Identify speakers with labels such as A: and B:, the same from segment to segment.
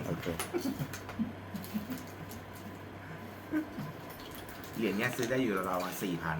A: โอเคเหรียญเนี้ยซื้อได้อยู่ราวๆ4,000
B: 4,000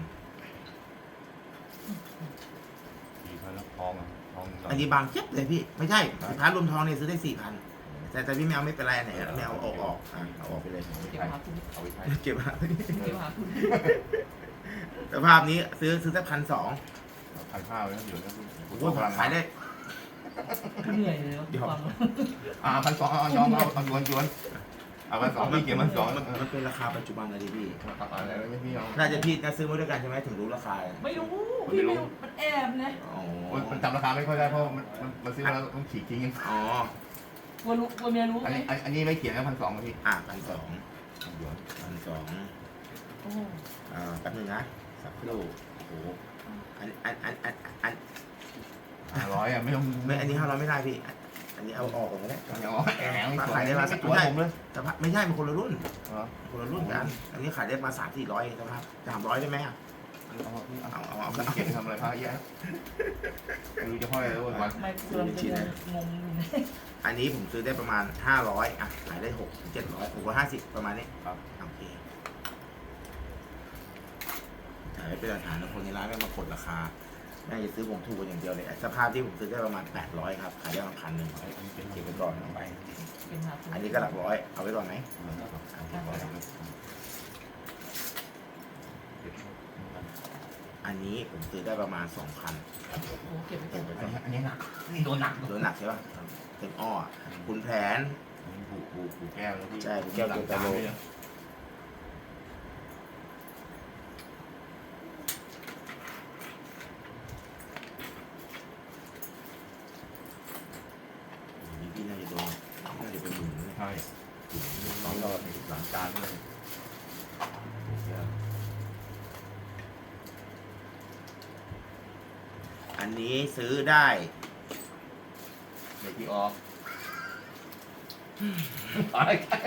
B: แล้วทองทอง
A: อันนี้บางเจ็บเลยพี่ไม่ใช่สินค้ารวมทองเนี่ยซื้อได้4,000แต่พี่ไม่เอาไม่เป็นไรอันไหนไม่เอาออกเอาออกไปเลย
C: เก็บหาคุณ
B: เอาไปใช้
A: เก็บมา
C: เก็บหาคุณ
A: สภาพนี้ซื้อสัก1,200
B: 1,500แล้วเดี๋ยวนะ
A: โอ้โหขายได้
C: เหนื่อยเลยฟัง
B: 1,200เอายอมเอายวนเอา1,200พี่เก็บ1,200
A: มันเป็นราคาปัจจุบันเลยดิพี่
B: ตัดอะไรแล้วไม่พี่เอา
A: น่าจะพี่น่าซื้อมาด้วยกันใช่ไหมถึงรู้ราคา
C: ไม่รู้พี่ไม่รู้มันแอบนะ
A: อ๋อ
B: มันจำราคาไม่ค่อยได้เพราะมันซื้อแล้วต้องฉีกทิ้ง
A: อ๋อ
C: กลัวรู้กลัวเมียรู้
B: อัน
C: ไหม
B: นี้อันนี้ไม่เขียนนะ1,200พี่
A: 1,200
B: หยวน
C: โอ้
A: แป๊บนึงนะสักครู่โอ้โหอัน
B: 500อ่ะไม่ต้อง
A: ไม่อันนี้500ไม่ได้พี่อันนี้เอาออกก่อนก็ได้
B: อย่าเอาแหง
A: ขายได้มาสัก
B: ตัวผมเลย
A: แต่ไม่ใช่มันคนละรุ่น
B: เหรอ
A: คนละรุ่นกัน อันนี้ขายได้มา300-400แต่ว่า300ได้ไหมอ่ะ
B: เอาเก็บทำอะไรพระเยอะไม่รู้จะห้อยอะไรวัน
C: ไม่กลัวจะงง
A: อันนี้ผมซื้อได้ประมาณ500อ่ะขายได้600-700 650ประมาณนี้ครับโอเคขายเป็นหลักฐานแล้วคนในร้านก็มากดราคาแม่จะซื้อผมถูกกันอย่างเดียวเลยสภาพที่ผมซื้อได้ประมาณ800ครับขายได้ประมาณ1,100เก็บไปก่อนเอาไป
C: เป็นหาคุณ
A: อันนี้ก็หลักร้อยเอาไว้ก่อนไหมอันนี้ผมซื้อได้ประมาณ 2,000
C: โอ้เก็บไปก่อน
B: อันนี้หนักนี่โดนหนัก
A: โดนหนักใช่ป่ะเต็มอ้อคุณแผน
B: ผูแก้วแล้วพี่
A: ใช่ผูแก้วตัวตะโล พี่น่าจะโดนน่าจะเป็นหมื่นนะ
B: ใช่สองรอบหลังจานเลย
A: อันนี้ซื้อได้
B: ในที่ออกอะไรกัน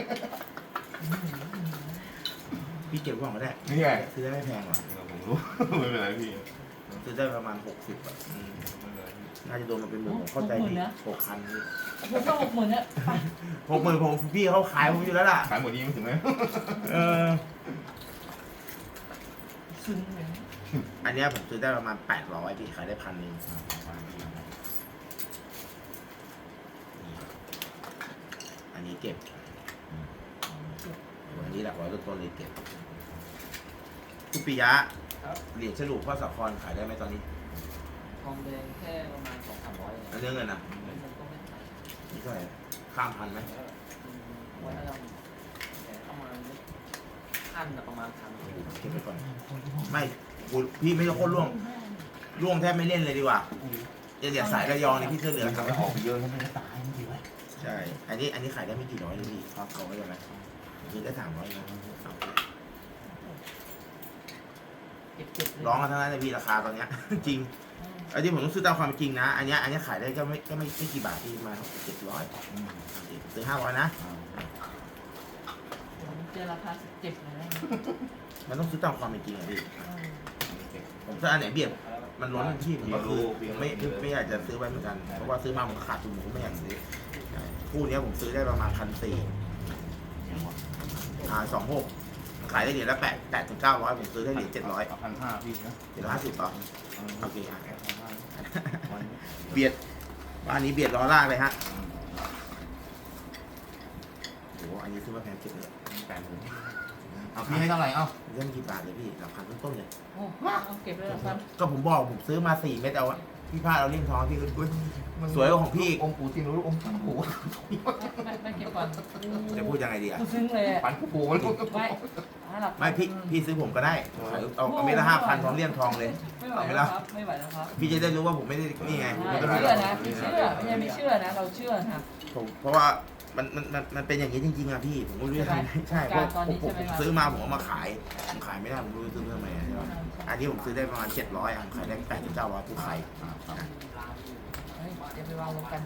A: พี่เก็บไว้ก่อนก็ได้
B: นี่ไง
A: ซื้อได้ไม่แพงหรอก
B: ผมรู้ไม่เป็นไรพี่
A: ซื้อได้ประมาณ60อ่ะน่าจะโดนมาเป็นหมื่นผมเข้าใจดี6,000นี่
C: ผมก็60,000เนี่ยไป
A: 60,000ผมพี่เขาขายผมอยู่แล้วล่ะ
B: ขายหมดนี้ไม่ถึงไหม
C: ซึ้งเลย
A: อันเนี้ยผมซื้อได้ประมาณ800พี่ขายได้1,000อันนี้เก็บอันนี้หลักร้อยต้นๆเลยเก็บคุณปิยะเหรียญฉลูกพ่อสาครขายได้ไหมตอนนี้
D: ทองแดงแค่ประมาณ200-300
A: อันเรื่องเงินนะ
D: มันก็ไม่ขาย
A: นี่เท่าไหร่ข้ามพันไหม
D: วันละแต่ประมาณขั้นประมาณ1,000
A: เก็บไปก่อนไม่พี่ไม่ต้องโคตรล่วงแทบไม่เล่นเลยดีกว่าเหรียญสายระยองนี่พี่เสื้อเหลือง
B: ทำให้ออกเยอะแล้วมันจะตายมันดีไว้
A: ใช่อันนี้ขายได้ไม่กี่ร้อยเลยพี่ครับเอาไว้ยังไงซื้อได้300นะ
C: เก็บเลย
A: ร้องกันทั้งนั้นเลยพี่ราคาตอนเนี้ย จริงไอ้ที่ผมต้องซื้อตามความเป็นจริงนะอันเนี้ยขายได้ก็ไม่กี่บาทที่มา700ซื้อ500นะ
C: เจอราคาเจ็บเลย
A: มันต้องซื้อตามความเป็นจริงอะพี่ผมถ้าอันไหนเบียดมันล้นที่ผมก็คือไม่อยากจะซื้อไว้เหมือนกันเพราะว่าซื้อมาผมขาดทุนผมก็ไม่อยากซื้อคู่นี้ผมซื้อได้ประมาณ1,400 26ขายได้เหรียญละ800-900ผมซื้อได้เหรียญ700
B: 1,500พี่นะ
A: 750ต่อโอเคเบียดบ้านนี้เบียดล้อลากเลยฮะโอ้อันนี้ซื้อมาแพงเก็บเลย
B: เอาพี่ให้เท่าไหร่เอ้า
A: เรื่องกี่บาทเลยพี่หลักพันต้นๆเลย
C: โอ้เก็บเลยละกัน
A: ก็ผมบอกผมซื้อมา4 เม็ดเอาอะพี่พลาดเอาเลี่ยมทองพี่อุ้ยสวยกว่าของพี่
B: องค์ปู่ที่รู้องค์ปู่
C: ไม่เก็บก่อน
A: จะพูดยังไงดีอะ
C: กูซึ้งเลย
B: ปันปู่มัน
A: ไม่พี่ซื้อผมก็ได้ขายเอาเม็ดละ5,000พร้อมเลี่ยมทองเลย
C: ไม่ไหวแล้วครับไม่ไหวแล้วครับ
A: พี่จะได้รู้ว่าผมไม่ได้นี่ไง
C: เชื่อนะพี่เชื่อไม่ใช่ไม่เชื่อนะเราเชื่อนะ
A: ผมเพราะว่ามันเป็นอย่างนี้จริงๆอะพี่ผมก็ไม่รู้จะทำไงใช่เพราะผมซื้อมาผมเอามาขายผมขายไม่ได้ผมไม่รู้จะซื้อทำไมใช่ไหมอันนี้ผมซื้อได้ประมาณ700อ่ะขายได้800-900ผู้ขาย
C: เดี๋ยวไปวางลงกัน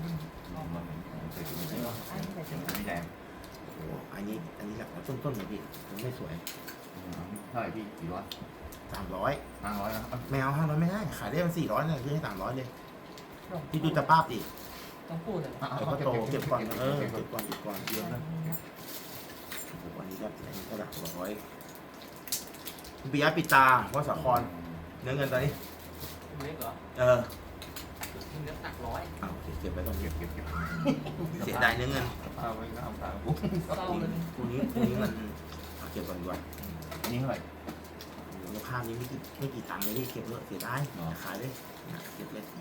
B: ไม่แดง
A: โอ้อันนี้หลักต้นๆเลยพี่ผมไม่สวย
B: เท่าไหร่พี่กี่ร้อย
A: 300
B: 500นะ
A: ไม่เอา500ไม่ได้ขายได้มัน400เนี่ยซื้อให้300เลยพี่ดูตะป้าบดิ
C: ต้องพูดเลย
A: เดี๋ยวก็โตเก็บก่อนเก็บก่อน
B: เยอะนะ
A: วันนี้ก็หลักร้อยปิยะปิตาวัดสาครเนื้อเงินตอนนี้
D: เล็กเหรอ
A: เออ
D: เล็กหนักร้อย
A: เอาเก็บไว้ตรงนี้
B: เก็บ
A: เสียดายเนื้อเงิน
B: เอาไว้ก็เอาตาม
C: เศร้าเลย
A: คู่นี้มันเก็บก่อนดีกว่า
B: อันนี้เท่าไหร่
A: มูลค่านี้ไม่กี่ตังค์เลยที่เก็บเสียดายขายเลยเก็บเลย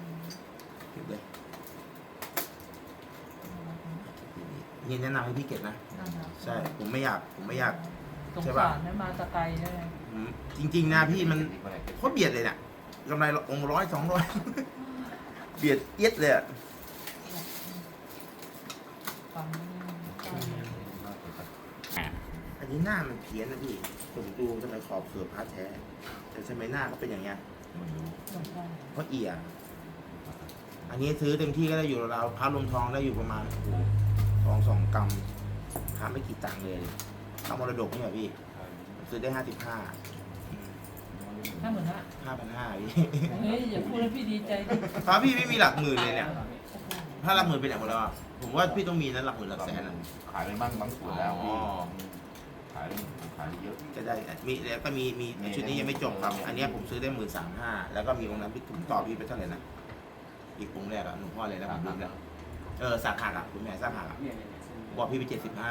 A: นี่แนะนำให้พี่เก็บนะใช่ผมไม่อยาก
C: สงสารนะมาตะไกลได้
A: จริงๆนะพี่มันโคตรเบียดเลยเนี่ยกำไรองค์100-200เบียดเอียดเลยอ่ะ
C: ฟัง
A: อันนี้หน้ามันเพี้ยนนะพี่ผมดูทำไมขอบเสือพาแท้แต่ทำไมหน้าเขาเป็นอย่างเงี้ยเพราะเอียอันนี้ซื้อเต็มที่ก็ได้อยู่ราวๆพระรวมทองได้อยู่ประมาณทอง2 กรัมพระไม่กี่ตังค์เลยทำมรดกนี่เหรอพี่ซื้อได้55
C: 55,000
A: 5,500พี่
C: เฮ้ยอย่าพูดแล้วพี่ดีใจดิ
A: พระพี่ไม่มีหลักหมื่นเลยเนี่ยถ้าหลักหมื่นเป็นไหนหมดแล้วอะผมว่าพี่ต้องมีนะหลักหมื่นหลักแสนอะ
B: ขายไปบ้างบางส่วนแล้วขายเยอะ
A: จะได้มีแล้วก็มีชุดนี้ยังไม่จบครับอันนี้ผมซื้อได้13,500แล้วก็มีองค์นั้นพี่ผมต่อพี่ไปเท่าไหร่นะอีกองค์แรกอะหลวงพ่ออะไรนะผมลืมแล้วสาขาอะคุณแม่สาขาอะบอกพี่ไป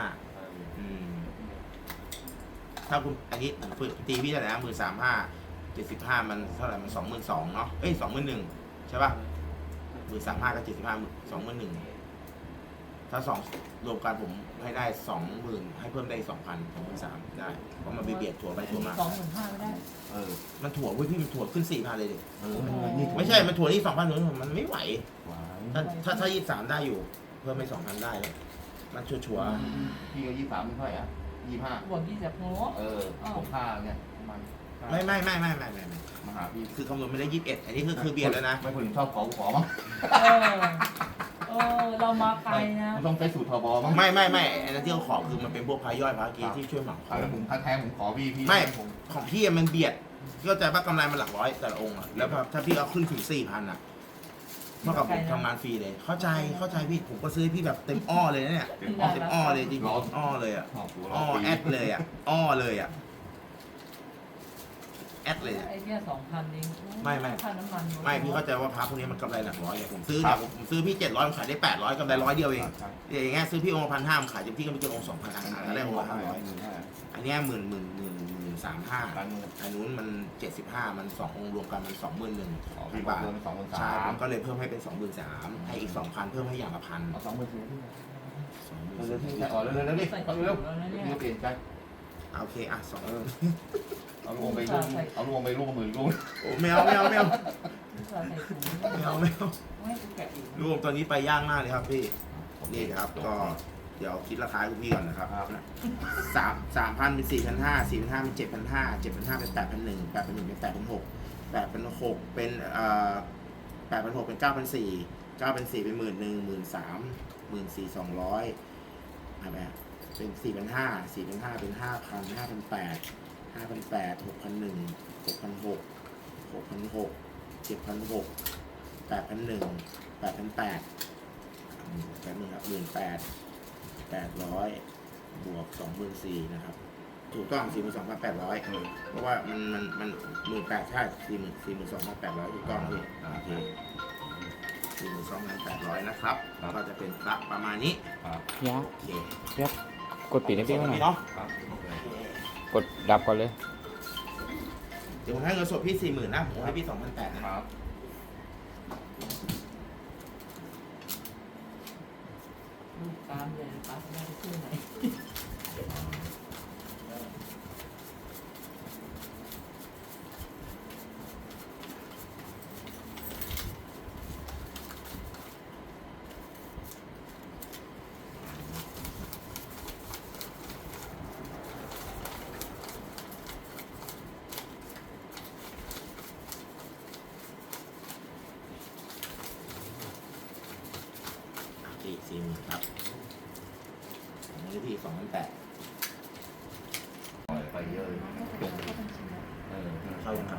A: 75ถ้าคุณอันนี้ผมตีพี่เท่าไหร่นะ13,500 75มันเท่าไหร่มัน22,000เนาะ21,000ใช่ป่ะ13,500กับ75 21,000ถ้า2รวมกันผมให้ได้ 20,000ให้เพิ่มได้ 2,000 23,000ได้เพราะมันเบียดถั่วไปถั่วมา
C: 25,000ไม่ได้
A: มันถั่วเว้ยพี่มันถั่วขึ้น 4,000เลยดิ
B: นี่
A: ไม่ใช่มันถั่วนี่ 2,000หนูมันไม่ไหวถ้า23ได้อยู่เพิ่มไป 2,000ได้เลยมันชัวร์
B: พี่ก็23เท่าไหร่อ่ะ25
C: บวก20โง่
B: ผมค่าเนี่ยประมาณ
A: ไม่
B: มาหาพี่
A: คือคำนวณไม่ได้21อันนี้คือเบียดแล้วนะ
B: ไม่คนชอบขอมั้ง
C: เรามาไกลนะ
B: มันต้องใช้สูตรทบมั้ง
A: ไม่อันนั้นที่เขาขอคือมันเป็นพวกพายย่อยพากีที่ช่วยหมัก
B: ขายแล้วผมถ้าแท้ผมขอพี่
A: ไม่ของพี่มันเบียดเข้าใจป่ะกำไรมันหลักร้อยแต่ละองค์อะแล้วถ้าพี่เอาขึ้นถึง 4,000อะเท่ากับผมทำงานฟรีเลยเข้าใจพี่ผมก็ซื้อพี่แบบเต็มอ้อเลยนะเนี่ยเต็มอ้อเลยจริงอ้อเลยอะอ้อแอดเลยอะอ้อเลยอะแอดเลย
C: ไอ้เนี่ย2,000เองค่าน้ำมัน
A: ไม่พี่เข้าใจว่าพระพวกนี้มันกำไรหลักร้อยอย่างผมซื้อเนี่ยผมซื้อพี่700ผมขายได้800กำไร100เดียวเองอย่างเงี้ยซื้อพี่องค์1,500ผมขายเต็มที่ก็ไม่เกินองค์2,000อันได้องค์ละ500อันเนี้ย13,500อันนู้นมัน75มัน2องค์รวมกันมัน21,000 บาทใช่ผมก็เลยเพิ่มให้เป็น23,000ให้อีก 2,000เพิ่มให้อย่างละ1,000
B: เอา20,000พี่เร็วๆพี่อ๋อเร็วๆดิเอาเร็วๆเปลี่ยนใจ
A: โอเคอ่ะ2
B: เอาลูกไปลูกมือลูก
A: โอ้ไม่เอา
C: ใส่ถุง
A: ไม่เอา
C: ไม่กูแกะอีก
A: รวมตอนนี้ไปย่างมากเลยครับพี่นี่ครับก็เดี๋ยวคิดราคาให้คุณพี่ก่อนนะครับ3,000เป็น4,500 4,500เป็น7,500 7,500เป็น8,100 8,100เป็น8,600 8,600เป็น8,600เป็น9,400 9,400เป็น11,000 13,000 14,200อะไรเป็น4,500 4,500เป็น5,000 5,800 5,800 6,100 6,600 6,600 7,600 8,100 8,800แป๊บนึงครับ18,800บวก24,000นะครับถูกต้อง 42,800เพราะว่ามัน18,000ใช่42,800ถูกต้องพี่โอเค42,800นะครับก็จะเป็นพระประมาณนี้
E: ยา
A: โอเค
E: กดปิดให้พี่หน่อย
A: เนาะ
E: กดดับก่อนเลย
A: เดี๋ยวผมให้เงินสดพี่ 40,000นะผมให้พี่ 2,800นะครับ
C: ลูกตามเลยป้าจะได้ไปซื้อไหน
A: 40,000ครับผมให้พี่ 2,800
B: ไปเยอะ
A: เข้ายังครับ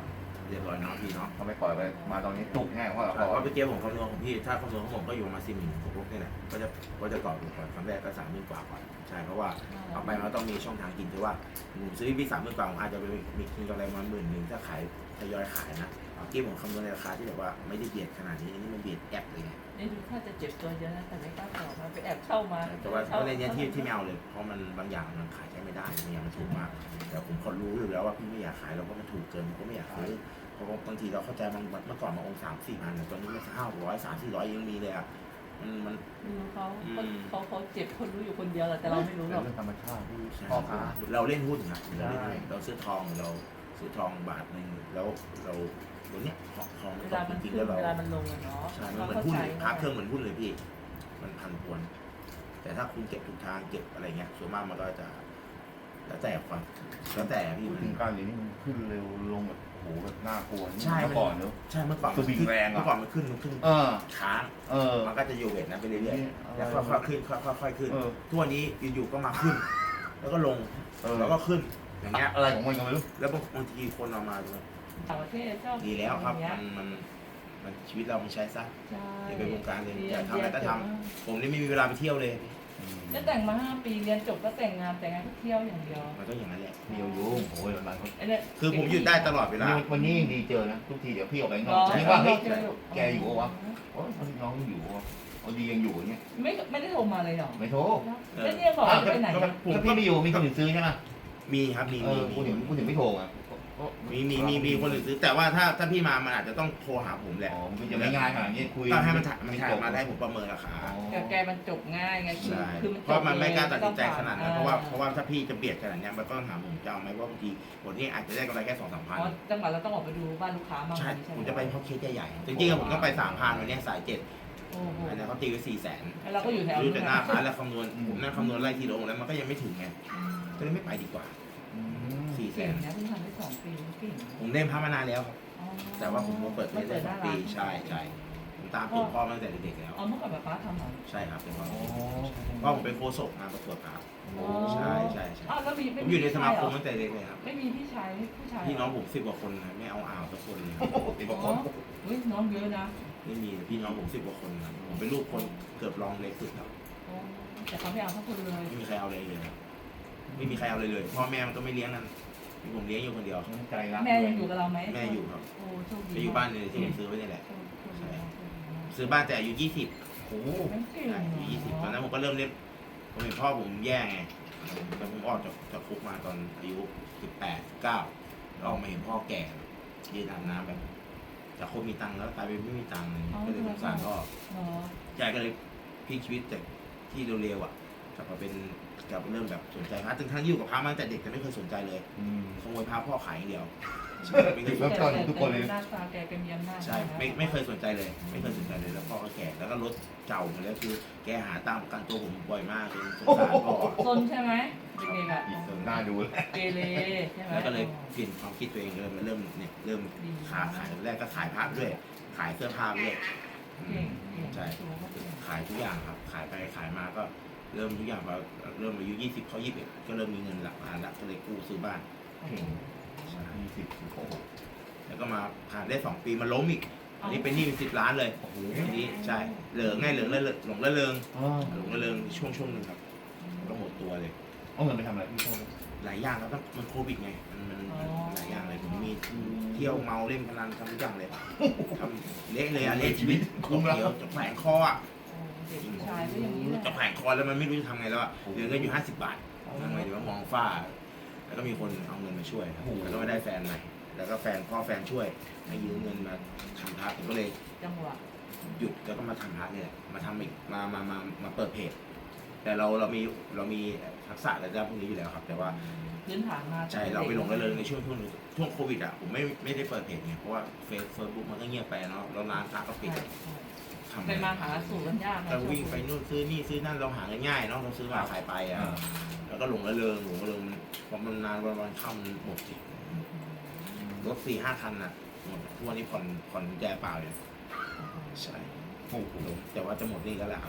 A: เรียบร้อยเนาะพี่เนาะ
B: เขาไม่ปล่อยไปมาตอนนี้จุกแน่เพราะ
A: เพราะว่าเมื่อกี้ผมคำนวณของพี่ถ้าคำนวณของผมก็อยู่ประมาณ40,000พวกนี่แหละก็จะตอบถูกก่อนครั้งแรกก็30,000กว่าก่อนใช่เพราะว่าเอาไปมันต้องมีช่องทางกินที่ว่าผมซื้อพี่30,000กว่าผมอาจจะไปมีกินกำไรมา10,000ถ้าขายทยอยขายนะเมื่อกี้ผมคำนวณในราคาที่แบบว่าไม่ได้เบียดขนาดนี้นี่มันเบียดแอบเลยไง
C: นี่ดูถ้าจะเจ็บตัวเยอะนะแต่ไม่กล้าตอบมาไปแอบเข้ามา
A: แต่ว่าในเนี้ยที่ไม่เอาเลยเพราะมันบางอย่างมันขายใช้ไม่ได้บางอย่างมันถูกมากแต่ผมก็รู้อยู่แล้วว่าพี่ไม่อยากขายเราก็มันถูกเกินผมก็ไม่อยากซื้อเพราะบางทีเราเข้าใจเมื่อก่อนมาองค์3-4 พันตอนนี้มัน500 300-400ยังมีเลยอ่ะมัน
C: ไม่รู้เขาเจ็บคนรู้อยู่คนเดียวแหละแต่เราไม่รู้หรอก
B: เรื่องธรรมชาติที่
A: ใช่
B: พ่อค้า
A: เราเล่นหุ้นครับเราซื้อทองเราซื้อทองบาทนึงแล้วเราตัวเนี้ยทอง
C: เว
A: มัน
C: ลา
A: ตก
C: มัน
A: จริงๆ
C: ขึ้
A: แล้
C: น
A: วเรา
C: เวลามันลงอะเนาะ
A: ใช่มันเหมือนหุ้นเลยพักเครื่องเหมือนหุ้นเลยพี่มันพันพวนแต่ถ้าคุณเก็บทุกทางเก็บอะไรเงี้ยส่วนมากมันก็จะแล้วแต่ความแล้วแต่พี่
B: พูด
A: มัน
B: ถึงการเรียนนี่มันขึ้นเร็วลงแบบโหแบบน่ากลัว
A: ใช่
B: เมื่อก่อนเนอะ
A: ใช่เมื่อก่อน
B: คือวิ่งแรงอะ
A: เมื่อก่อนมันขึ้น
B: เออ
A: ค้าง
B: เออ
A: มันก็จะอยู่เวทนั้นไปเรื่อยๆแล้วค่อยๆขึ้นค่อยๆขึ้น
B: เออ
A: ทุกวันนี้อยู่ๆก็มาขึ้น แล้วก็ลง
B: เออ
A: แล้วก็ขึ้นอย่างเงี้ย
B: อะไรของมันก็ไม่รู้
A: แล้วบางทีคนเอามาดู
C: ต่างประเทศชอบ
A: ดีแล้วครับ
C: อย่างเงี้ย
A: มันชีวิตเรามันใช้ซะ
C: ใช่
A: อย่าไปวงการเลยอยากทำอะไรก็ทำผมนี่ไม่มีเวลาไปเที่ยวเลย
C: ก็แต่งมา5 ปีเรียนจบก็แต่งงานก็เที่ยวอย่างเดียว
A: มันก็อย่างนั้นแหละ
B: เดียวโยงโอ้ยวันๆเขา
C: ไอ้เนี่ย
A: คือผมหยุดได้ตลอดเวลา
B: วันนี้ยังดีเจอนะทุกทีเดี๋ยวพี่ออกไปน
C: ร
B: อ
C: อก
B: นี่ว่าเฮ้ย
C: ใช่ไหมลูก
B: แกอยู่ปะวะโอ้ยน้องอยู่วะเอาดียังอยู่เนี่ย
C: ไม่ได้โทรมาเลยเหรอ
B: ไม่โทร
C: แล้วเนี่ยบอกว่าไปไหนอะ
B: ถ้าพี่ไม่อยู่มีคนอื่นซื้อใช่ไหม
A: มีครับมี
B: เออพูดถึงไม่โทรอ่ะ
A: มีคนอื่นซื้อแต่ว่าถ้าพี่มามันอาจจะต้องโทรหาผมแหละ
B: อ๋อมันจะไม่ง่ายขนาดนี้คุย
A: ก็ให้มันถ่ายมาได้ผมประเมินราคา
C: แต่แกมันจบง่ายไงคือ
A: ใช่
C: คือมัน
A: เพราะมันไม่กล้าตัดสินใจขนาดนั้น
C: อ่
A: เพราะว่าถ้าพี่จะเบียดขนาดเนี้ยมันก็ต้องถามผมจะเอาไหมว่าบางทีวันนี้อาจจะได้กำไรแค่2-3 พัน
C: อ๋อจังหวะเราต้องออกไปดูบ้านลูกค้าบ้าง
A: ใช่
C: ใช่ไห
A: ผมจะไปเพราะเคสใหญ่ๆจริงๆผมต้องไป3,000วันนี้สาย7
C: โอ้โห
A: อันนี้เขาตีไว้400,000
C: แล้วเราก็อยู่แถว
A: รู้
C: นู้น
A: แต่หน้าร้านแล้วคำนวณผมนั่งคำนวณไล่ทีละองค์แล้วมันก็ยังไม่ถึงไงก็เลยไม่ไปดีกว่า
C: เก่งนะเพิ่งทำได้2 ปีเก่ง
A: ผมเล่นพระมานานแล้วครับ
C: อ๋อ
A: แต่ว่าผมมาเปิดเล่นได้2 ปีใช่ผมตามติดพ่อมาตั้งแต่เด็กๆแล้ว
C: อ๋อเมื่อก่อนแบบป้าทำเหรอ
A: ใช่ครับเป็นพ่อ
B: โอ้
A: พ่อผมเป็นโฆษกงานประกวดครับ ใช่
C: อ้าวแล้วมี
A: ผมอยู่ในสมาคมตั้งแต่เด็กเลยครับ
C: ไม่มีพี่ชายผู้ชาย
A: พี่น้องผม10 กว่าคนนะไม่เอาสักคนเลย
B: ติด
C: อ๋
B: ประ
C: อ
B: กอบ
C: เฮ้ยน้องเยอะนะ
A: ไม่มีพี่น้องผม10 กว่าคนนะผมเป็นลูกคนเกือบรองเล็กสุดครับ
C: อ๋อแต่เขาไม่เอาทั้งคนเลย
A: ไม่มีใครเอาเลยครับไม่มีใครเอาเลยพ่อแม่มันก็ไม่เลี้ยงนั่นมีผมเลี้ยงอยู่คนเดียว
B: ใจรัก
C: แม่ยังอยู่กับเราไหม
A: แม่อยู่ครับ
C: โอ้โชคดี
A: ไปอยู่บ้านเลยที่ผมซื้อไว้นี่แหละ
C: โชคดีมาก
A: ซื้อบ้านแต่อายุ20
B: โอ้
C: ไม่เก่ง
A: อายุ20ตอนนั้นผมก็เริ่มเล่นผมเห็นพ่อผมแย่ไงแต่ผมออกจากคุกมาตอนอายุ18 19แล้วออกมาเห็นพ่อแก่ยืนอาบน้ำแบบจากคนมีตังค์แล้วกลายเป็นไม่มีตังค์เลยก็เลยสงสารพ่อ
C: เนาะ
A: ยายก็เลยพลิกชีวิตจากที่เร็วๆอ่ะกลับมาเริ่มแบบสนใจพระถึงทั้งอยู่กับพระมาตั้งแต่เด็กแต่ไม่เคยสนใจเลยขโมยพระพ่อขายอย่างเดียวใช่ไม่เคย
B: เริ่มต้นทุกคนเลย
C: หน้าตาแกเป็นมีอำนาจ
A: ใช่ไม่เคยสนใจเลย ไม่เคยสนใจเลยแล้วพ่อก็แก่แล้วก็รถเก่าหมดแล้วคือแกหาตังค์ประกันตัวผมบ่อยมากจนสงสารพ่อ
C: ซนใช่ไหมเด็กๆอ่ะ
B: อีกส่วนหน้าดูเลย
C: เกเรใช่ไหม
A: แล้วก็เลยเปลี่ยนความคิดตัวเองเลยมาเริ่มขายแรกก็ขายพระด้วย ขายเสื้อผ้าด้วย
C: เก่งเก่ง
A: ใช่ขายทุกอย่างครับ ขายไปขายมาก็เริ่มทุกอย่างพอเริ่มอายุ20เขา21ก็เริ่มมีเงินหลักล้านแล้วก็เลยกู้ซื้อบ้าน ใช่
B: 20โอ้โห
A: แล้วก็มาผ่านได้2 ปีมาล้มอีกอันนี้เป็นหนี้เป็น10 ล้านเลย
B: โอ้โห
A: อันนี้ใช่เหลือง่ายเหลือหลงละเริง
B: อ๋อ
A: หลงละเริงช่วงหนึ่งครับก็หมดตัวเลย
B: เอาเงินไปทำอะไรพี่โทษ
A: หลายอย่างแล้วก็มันโควิดไงมันหลายอย่างเลยผมมีเที่ยวเมาเล่นพนันทำทุกอย่างเลยทำเละเลยอะเละชีวิตคุ้มแล้วจะแขวนคออ่ะ
C: เด็กผู้ชายก็อย่างนี้แหละ
A: จะแขวนคอแล้วมันไม่รู้จะทำไงแล้วอะเหลือเงินอยู่50 บาททำไงดีว่ามองฝ้า แล้วก็มีคนเอาเงินมาช่วยครับแล้วก็ไม่ได้แฟนใหม่แล้วก็พ่อแฟนช่วยให้ยืมเงินมาทำพระผมก็เลย
C: จังหวะ
A: หยุดแล้วก็มาทำพระเนี่ยแหละมาทำอีกมาเปิดเพจ แต่เรามีทักษะระดับพวกนี้อยู่แล้วครับ แต่ว่า
C: พื้นฐานมา
A: ใช่เราไปหลงระเริงในช่วงโควิดอ่ะผมไม่ได้เปิดเพจไงเพราะว่าเฟซบุ๊กมันก็เงียบไปเนาะแล้วร้านค้าก็ปิดทำ
C: เป็นมาหาสู่กันยากนะ
A: เราวิ่งไปนู่นซื้อนี่ซื้อนั่นเราหาง่ายๆเนาะเราซื้อมาขายไปอ่ะแล้วก็หลงระเริงพอมันนานวันค่ำหมดสิรถ4-5 คันอ่ะหมดทุกวันนี้ผ่อนแจเปล่าเลยใช่
B: โอ้โห
A: แต่ว่าจะหมดนี่ก็แล้วครับ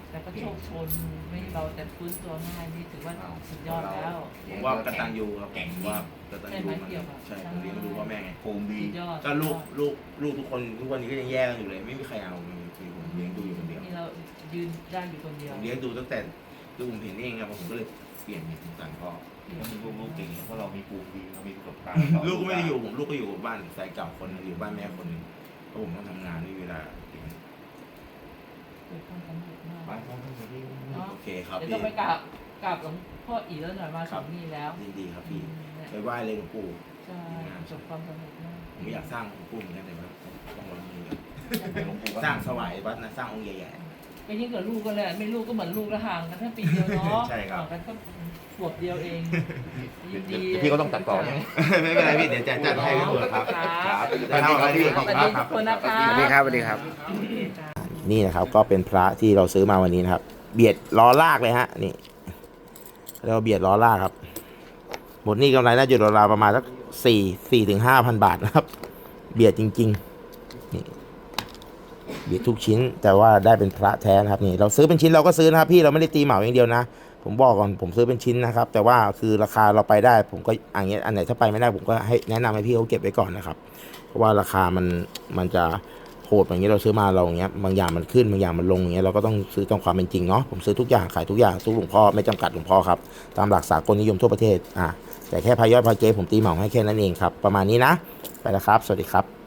C: แต่ก็โชคชนไม่เราแต่ฟื้นตัวง่ายนี่ถือว่าสุดยอดแล้ว
A: ผมว่ากตัญญูครับผมว่ากตัญญูมัน
C: ใช่ไหมเกี่ยวกับ
A: ใช่ผมเลี้ยงดูพ่อแม่ไง
B: ภูมิดี
C: สุดยอด
A: ก็ลูกทุกคนทุกวันนี้ก็ยังแยกกันอยู่เลย ไม่มีใครเอาคือผมเลี้ยงดูอยู่คนเดียว
C: นี่เรายืนได้อยู่คนเดียว
A: ผมเลี้ยงดูตั้งแต่ลูกผมเห็นเองครับผมก็เลยเปลี่ยนเป็นสงสารพ่อ
B: แล้วมีลูกๆเก่งเพราะเรามีภูมิดีเรามีประสบการณ์
A: ลูกก็ไม่ได้อยู่ผมลูกก็อยู่บ้านแฟนเก่าคนหนึงอยู่บ้านแม่คนหนึงเพราะผมต้องทำงานไม่มีเวลา
C: เกิดความสำเร็จมาก
B: ไปครับพี่
C: เนาะ
A: โอเคครับ
C: เดี๋ยว
A: พี่
C: ต้องไปกราบหลวงพ่ออีแล้วหน่อยมาถึงนี่แล้ว
A: ยินดีครับพี่
C: เนี่ย
A: ไปไหว้เลยหลวงปู่
C: ใช่ประสบความสำเร็จมาก
A: ผมไม่อยากสร้างหลวงปู่เหมือนกันแต่ว่าต้องวางมือกัน
B: หลวงปู่
A: สร้างสวายวัดนะสร้างองค์ใหญ่
C: ก็ยิ่งกับลูกก็เลยไม่ลูกก็เหมือนลูกละห่างกันแค่ปีเดียวเนาะ
A: ใช่ครับ
C: ห่างกันก็ขวบเดียวเองยินดี
B: พี่ก็ต้องตัดต่อใช่ไหม
A: ๆ ไม่เป็นไรพี่เดี๋ยวจะจัดให้พี่เบิร์ดครับ
C: ครับ
A: จะทำอะไรพี่
C: สวัสดีทุกคนนะคะ
E: สวัสดีครับสวัสดีครับ
A: นี่นะครับก็เป็นพระที่เราซื้อมาวันนี้นะครับ เบียดล้อลากเลยฮะนี่เราเบียดล้อลากครับหมดนี่กำไรน่าจะราวๆประมาณสัก4,000 ถึง 5,000 บาทนะครับ เบียดจริงๆนี่เบียดทุกชิ้นแต่ว่าได้เป็นพระแท้นะครับนี่เราซื้อเป็นชิ้นเราก็ซื้อนะครับพี่เราไม่ได้ตีเหมาอย่างเดียวนะ ผมบอกก่อนผมซื้อเป็นชิ้นนะครับ แต่ว่าคือราคาเราไปได้ ผมก็อย่างเงี้ยอันไหนถ้าไปไม่ได้ผมก็ให้แนะนำให้พี่เขาเก็บไว้ก่อนนะครับ เพราะว่าราคามันจะโหดอย่างเงี้ยเราซื้อมาเราอย่างเงี้ยบางอย่างมันขึ้นบางอย่างมันลงอย่างเงี้ยเราก็ต้องซื้อตามความเป็นจริงเนาะผมซื้อทุกอย่างขายทุกอย่างซื้อหลวงพ่อไม่จำกัดหลวงพ่อครับตามหลักสากลนิยมทั่วประเทศแต่แค่พายอดพายเจผมตีเหมาให้แค่นั้นเองครับประมาณนี้นะไปแล้วครับสวัสดีครับ